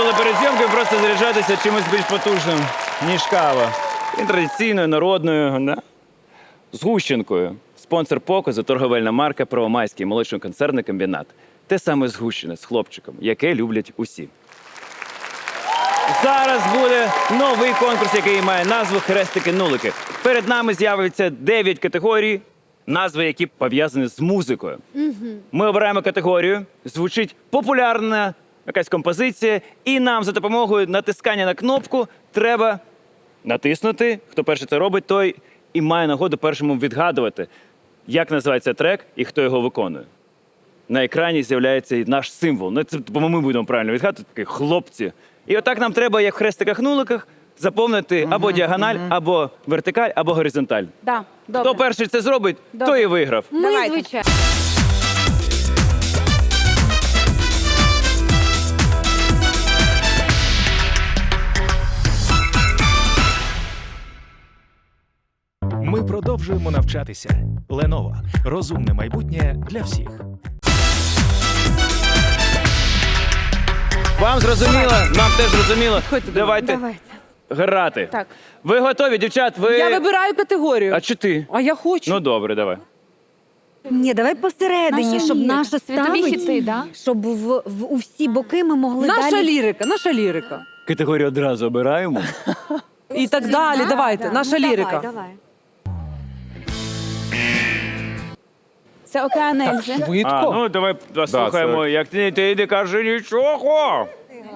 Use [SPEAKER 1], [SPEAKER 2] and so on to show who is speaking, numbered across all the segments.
[SPEAKER 1] пробували перед зйомкою просто заряджатися чимось більш потужним, ніж кава. І традиційною, народною, да? Згущенкою. Спонсор показу – торговельна марка «Первомайський молочно-концерний комбінат». Те саме згущене з хлопчиком, яке люблять усі. Зараз буде новий конкурс, який має назву «Хрестики-нулики». Перед нами з'явиться 9 категорій, назви які пов'язані з музикою. Ми обираємо категорію, звучить популярна якась композиція, і нам за допомогою натискання на кнопку треба натиснути. Хто перший це робить, той і має нагоду першому відгадувати, як називається трек і хто його виконує. На екрані з'являється і наш символ. Ну, це, бо ми будемо правильно відгадувати, такі хлопці. І отак нам треба, як в хрестиках-нуликах, заповнити або діагональ, або вертикаль, або горизонталь.
[SPEAKER 2] Да, добре.
[SPEAKER 1] Хто перший це зробить, той і виграв.
[SPEAKER 2] Давайте.
[SPEAKER 3] Звичайно.
[SPEAKER 4] Ми продовжуємо навчатися. Lenovo. Розумне майбутнє для всіх.
[SPEAKER 1] Вам зрозуміло, нам теж зрозуміло. Давайте
[SPEAKER 3] Давайте.
[SPEAKER 1] грати.
[SPEAKER 2] Так.
[SPEAKER 1] Ви готові, дівчат? Ви...
[SPEAKER 5] Я вибираю категорію.
[SPEAKER 1] А чи ти?
[SPEAKER 5] А я хочу.
[SPEAKER 1] Ну добре, давай.
[SPEAKER 3] Ні, давай посередині, щоб наша
[SPEAKER 2] світові
[SPEAKER 3] ставить,
[SPEAKER 2] хіти, да?
[SPEAKER 3] щоб у всі боки ми могли
[SPEAKER 5] Наша
[SPEAKER 3] далі...
[SPEAKER 5] лірика, наша лірика.
[SPEAKER 1] Категорію одразу обираємо.
[SPEAKER 5] І так далі, давайте, наша лірика.
[SPEAKER 3] Давай.
[SPEAKER 2] Це океан Ельзи.
[SPEAKER 1] А, ну давай послухаємо, як ти не кажи нічого.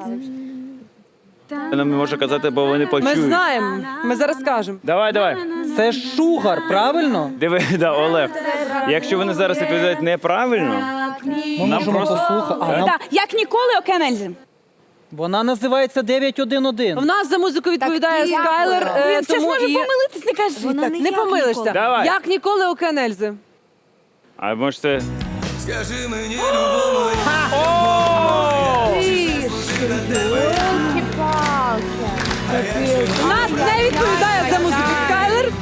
[SPEAKER 1] Нам не може казати, бо вони
[SPEAKER 5] Ми
[SPEAKER 1] почують.
[SPEAKER 5] знаємо, ми зараз скажемо.
[SPEAKER 1] Давай.
[SPEAKER 6] Це шугар, правильно?
[SPEAKER 1] Диви, да, Олег. Якщо вони зараз відповідають неправильно,
[SPEAKER 6] Ми
[SPEAKER 1] нам
[SPEAKER 6] можемо
[SPEAKER 1] просто...
[SPEAKER 6] послухати.
[SPEAKER 2] Так, як ніколи океан Ельзи.
[SPEAKER 6] Вона називається 911.
[SPEAKER 5] В нас за музику відповідає
[SPEAKER 3] Так,
[SPEAKER 5] Скайлер,
[SPEAKER 2] Він зараз
[SPEAKER 5] тому
[SPEAKER 2] може
[SPEAKER 5] і
[SPEAKER 2] помилитись, не кажи
[SPEAKER 3] Вона
[SPEAKER 2] так.
[SPEAKER 3] не
[SPEAKER 5] не
[SPEAKER 3] як
[SPEAKER 5] помилишся.
[SPEAKER 3] ніколи.
[SPEAKER 1] Давай.
[SPEAKER 5] Як ніколи океан Ельзи.
[SPEAKER 1] А може це...
[SPEAKER 5] В нас не відповідає за музику Скайлер.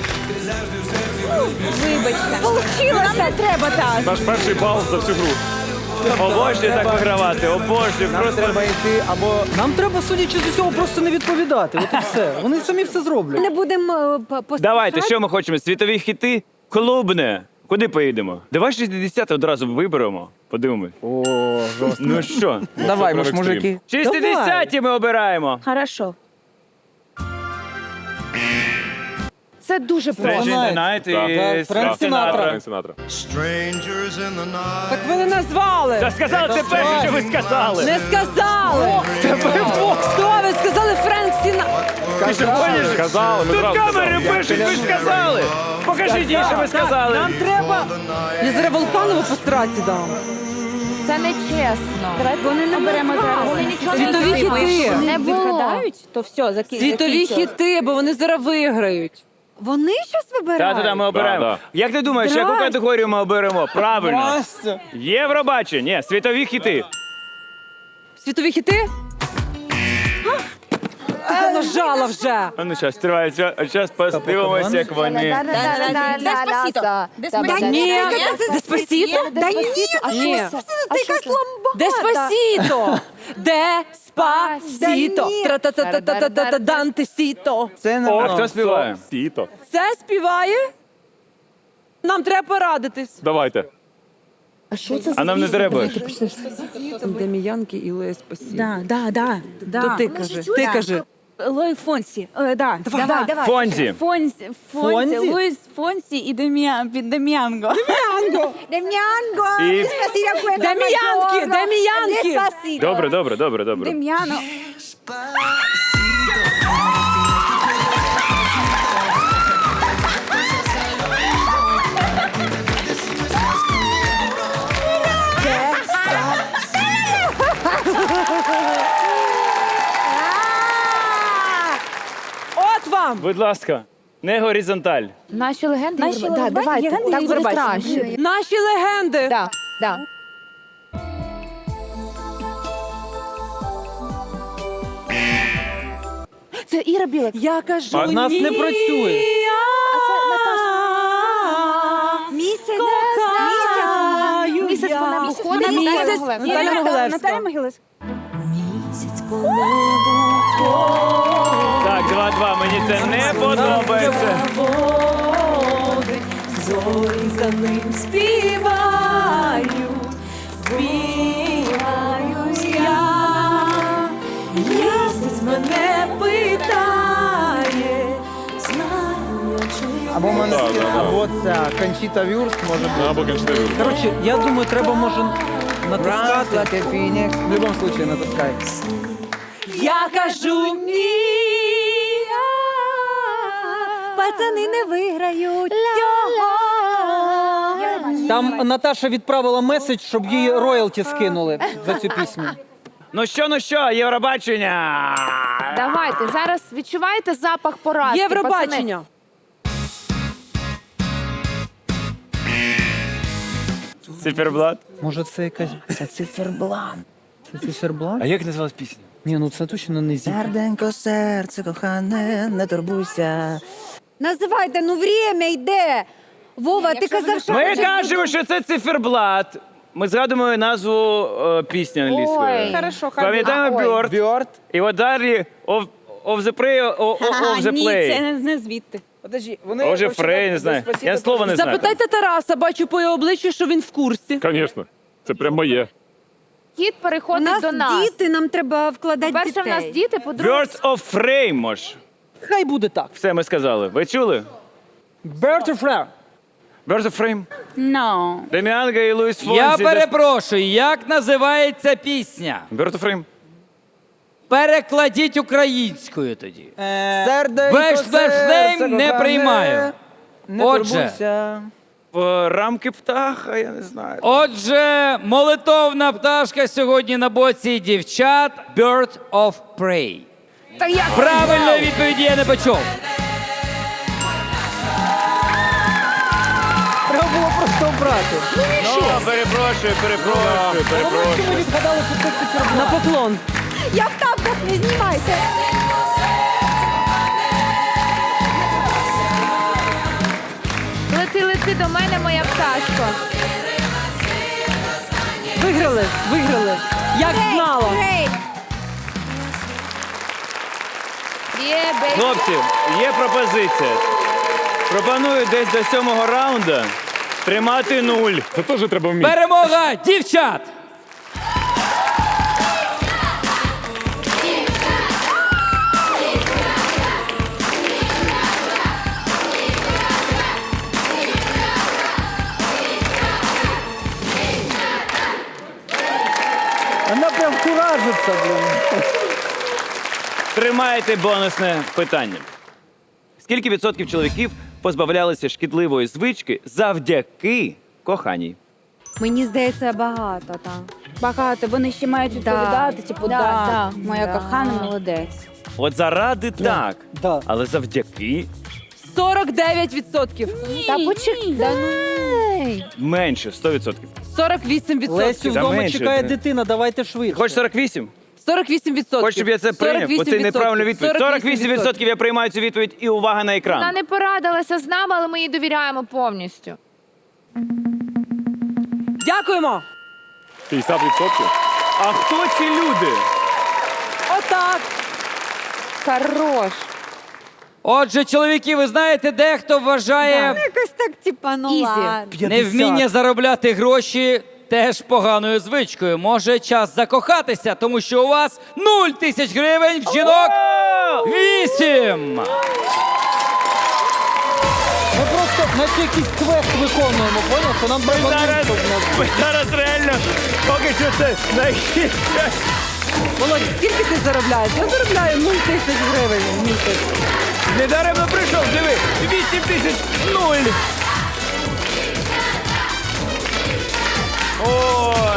[SPEAKER 2] Вибачте. Получилося. Нам не треба так.
[SPEAKER 1] Наш перший бал за всю гру. Обожнюю так вигравати, обожнюю.
[SPEAKER 6] Нам
[SPEAKER 1] Просто...
[SPEAKER 6] треба йти або... Нам треба, судячи з усього, просто не відповідати. От і все. Вони самі все
[SPEAKER 3] Ми
[SPEAKER 6] зроблять.
[SPEAKER 3] не будемо
[SPEAKER 1] Давайте, що ми хочемо? Світові хіти? Клубне. Куди поїдемо? Давай 60 одразу виберемо. Подивимось.
[SPEAKER 6] О, жорстко.
[SPEAKER 1] Ну що?
[SPEAKER 6] Давай, ми ж мужики.
[SPEAKER 1] 60 ми обираємо.
[SPEAKER 2] Хорошо. Це дуже просто.
[SPEAKER 1] Stranger Night і
[SPEAKER 6] Френк Сінатра.
[SPEAKER 7] Strangers in the night.
[SPEAKER 5] Так ви не назвали.
[SPEAKER 1] Та сказали, це перше, що ви сказали.
[SPEAKER 5] Не сказали. Хто ви сказали Френк Сінатра?
[SPEAKER 1] Ти що гониш?
[SPEAKER 7] Сказали, ми
[SPEAKER 1] Тут
[SPEAKER 7] зразу
[SPEAKER 1] камери пишуть, ви ж сказали. Покажіть їй, що ви сказали.
[SPEAKER 5] Нам треба... Я зараз Волканову по страці дам.
[SPEAKER 2] Це не чесно. Вони не беремо зараз.
[SPEAKER 5] Світові хіти.
[SPEAKER 2] Не відгадають, то все,
[SPEAKER 5] Світові хіти, бо вони зараз виграють.
[SPEAKER 3] Вони щось вибирають?
[SPEAKER 1] Та, ми обираємо. Як ти думаєш, яку категорію ми оберемо? Правильно.
[SPEAKER 6] Настя.
[SPEAKER 1] Євробачення. Ні, світові хіти.
[SPEAKER 5] Світові хіти? Ти нажала вже.
[SPEAKER 1] А ну зараз, триває. Зараз подивимося, як вони.
[SPEAKER 2] Деспасіто.
[SPEAKER 5] Ні, Деспасіто?
[SPEAKER 3] Да ні,
[SPEAKER 5] Ні.
[SPEAKER 3] це якась ламбада.
[SPEAKER 5] Деспасіто. Деспасіто.
[SPEAKER 3] Да ні.
[SPEAKER 5] Тра-та-та-та-та-та-та Дантесіто.
[SPEAKER 6] Це не
[SPEAKER 1] А
[SPEAKER 6] воно.
[SPEAKER 1] хто співає?
[SPEAKER 5] Це співає? Нам треба порадитись.
[SPEAKER 7] Давайте.
[SPEAKER 1] А нам не треба.
[SPEAKER 5] Деміянки і Лея Спасіто.
[SPEAKER 2] Да.
[SPEAKER 5] То ти кажи, ти кажи.
[SPEAKER 2] Лой Фонсі. Да.
[SPEAKER 3] Давай.
[SPEAKER 1] Фонзі.
[SPEAKER 6] Фонзі?
[SPEAKER 2] Луїс Фонсі і Дем'янго.
[SPEAKER 3] Дем'янго.
[SPEAKER 1] І-
[SPEAKER 5] Дем'янки.
[SPEAKER 1] Добре.
[SPEAKER 2] Дем'яно.
[SPEAKER 5] От вам.
[SPEAKER 1] Будь ласка, не горизонталь.
[SPEAKER 2] Наші легенди.
[SPEAKER 3] Да, давайте.
[SPEAKER 2] Так буде краще.
[SPEAKER 5] Наші легенди.
[SPEAKER 2] Да. Це Іра Білик.
[SPEAKER 5] Я кажу,
[SPEAKER 6] А в нас не працює.
[SPEAKER 2] А це Наташа.
[SPEAKER 3] Місяць.
[SPEAKER 2] Місяць вона виходить.
[SPEAKER 5] Місяць.
[SPEAKER 2] Наталя Могилевська.
[SPEAKER 5] Наталя Могилевська.
[SPEAKER 2] Наталя Могилевська.
[SPEAKER 3] Місяць
[SPEAKER 1] Так, 2-2, мені це не подобається.
[SPEAKER 5] Зорі за ним співають, я. Місяць мене питає, знаю я чи
[SPEAKER 6] Або або ця Кончіта Вюрст може бути.
[SPEAKER 8] Або Кончіта Вюрст.
[SPEAKER 6] Коротше, я думаю, треба може натискати.
[SPEAKER 9] Like a phoenix.
[SPEAKER 6] В будь-якому випадку натискай.
[SPEAKER 5] Я кажу ні.
[SPEAKER 3] Пацани не виграють цього.
[SPEAKER 6] Там Наташа відправила меседж, щоб їй роялті скинули за цю пісню.
[SPEAKER 1] Ну що, Євробачення!
[SPEAKER 2] Давайте, зараз відчуваєте запах поразки, пацани?
[SPEAKER 5] Євробачення.
[SPEAKER 1] Циферблат.
[SPEAKER 6] Може це якась... Це циферблан. Це циферблан?
[SPEAKER 1] А як називалась пісня?
[SPEAKER 6] Ні, ну це точно не зі.
[SPEAKER 9] Серденько, серце, кохане, не турбуйся.
[SPEAKER 3] Називайте, ну время йде. Вова, ти казав, що...
[SPEAKER 1] Ми кажемо, що це циферблат. Ми згадуємо назву пісні англійської.
[SPEAKER 2] Ой, хорошо, хай
[SPEAKER 1] Пам'ятаємо
[SPEAKER 2] буде. Ой.
[SPEAKER 1] Бьорд.
[SPEAKER 6] Бьорд.
[SPEAKER 1] І от далі of the Prey, of the Play.
[SPEAKER 5] не звідти.
[SPEAKER 6] Подожди, вони...
[SPEAKER 1] Може, Фрей, не знаю. Я слова не знаю.
[SPEAKER 5] Запитайте Тараса, бачу по його обличчю, що він в курсі.
[SPEAKER 8] Звісно, це прям моє.
[SPEAKER 2] Хід
[SPEAKER 3] У
[SPEAKER 2] переходить
[SPEAKER 3] нас
[SPEAKER 2] до нас.
[SPEAKER 3] діти, нам треба вкладати
[SPEAKER 2] По-перше, в нас
[SPEAKER 3] дітей.
[SPEAKER 2] діти, по-друге,
[SPEAKER 1] Birds of Prey, мож.
[SPEAKER 6] Хай буде так.
[SPEAKER 1] Все ми сказали. Ви чули?
[SPEAKER 6] Bird of Prey.
[SPEAKER 1] Birds of Prey.
[SPEAKER 2] no.
[SPEAKER 1] Деміанга і Луїс Фонсі.
[SPEAKER 10] Я перепрошую, як називається пісня?
[SPEAKER 1] Birds of Prey.
[SPEAKER 10] Перекладіть українською тоді.
[SPEAKER 6] Серденько,
[SPEAKER 10] Без флешнейм не
[SPEAKER 6] кохане,
[SPEAKER 10] приймаю.
[SPEAKER 6] не
[SPEAKER 10] Отже.
[SPEAKER 6] турбуйся.
[SPEAKER 1] В рамки птаха, я не знаю.
[SPEAKER 10] Отже, молитовна пташка сьогодні на боці дівчат Bird of Prey.
[SPEAKER 2] Та я
[SPEAKER 10] Правильної відповіді я не почув.
[SPEAKER 6] Треба було просто обрати.
[SPEAKER 1] Ну, перепрошую.
[SPEAKER 6] Ми відгадали, що це циферблан.
[SPEAKER 5] На поклон.
[SPEAKER 3] Я в тапках, не знімайте.
[SPEAKER 2] лети до мене, моя пташко.
[SPEAKER 5] Виграли. Як знала.
[SPEAKER 2] Є, бейбі.
[SPEAKER 1] Хлопці, є пропозиція. Пропоную десь до 7-го раунду тримати 0.
[SPEAKER 8] Це теж треба вміти.
[SPEAKER 10] Перемога дівчат!
[SPEAKER 6] Вона прям куражиться, блин.
[SPEAKER 1] Тримаєте бонусне питання. Скільки відсотків чоловіків позбавлялися шкідливої звички завдяки коханій?
[SPEAKER 3] Мені здається, багато там.
[SPEAKER 2] Багато, вони ще мають відповідати, типу, да, моя
[SPEAKER 3] да.
[SPEAKER 2] кохана молодець.
[SPEAKER 1] От заради так,
[SPEAKER 6] Да.
[SPEAKER 1] але завдяки
[SPEAKER 5] 49%.
[SPEAKER 2] Та почекай. Да, ну.
[SPEAKER 1] менше, 100%.
[SPEAKER 5] 48%.
[SPEAKER 6] Лесю,
[SPEAKER 1] Та
[SPEAKER 6] вдома
[SPEAKER 1] менше,
[SPEAKER 6] чекає
[SPEAKER 1] ти.
[SPEAKER 6] дитина, давайте швидше.
[SPEAKER 1] Хоч 48?
[SPEAKER 5] 48%.
[SPEAKER 1] Хоч, щоб я це прийняв? Бо це неправильна відповідь. 48% я приймаю цю відповідь і увага на екран.
[SPEAKER 2] Вона не порадилася з нами, але ми їй довіряємо повністю.
[SPEAKER 5] Дякуємо.
[SPEAKER 8] 50%.
[SPEAKER 1] А хто ці люди?
[SPEAKER 5] Отак.
[SPEAKER 2] Хорош.
[SPEAKER 10] Отже, чоловіки, ви знаєте, дехто вважає
[SPEAKER 3] Якось так, типа, ну
[SPEAKER 2] Ізі.
[SPEAKER 3] ладно.
[SPEAKER 10] невміння заробляти гроші теж поганою звичкою. Може, час закохатися, тому що у вас 0 тисяч гривень, в жінок 8.
[SPEAKER 6] Ми просто наче якийсь квест виконуємо, поняв? То нам треба
[SPEAKER 1] Зараз,
[SPEAKER 6] щоб нас-
[SPEAKER 1] ми зараз реально поки що це найгірше.
[SPEAKER 5] Володь, скільки ти заробляєш? Я заробляю 0 тисяч гривень в місяць.
[SPEAKER 1] Недаремно прийшов, диви, 8 тисяч 0. О,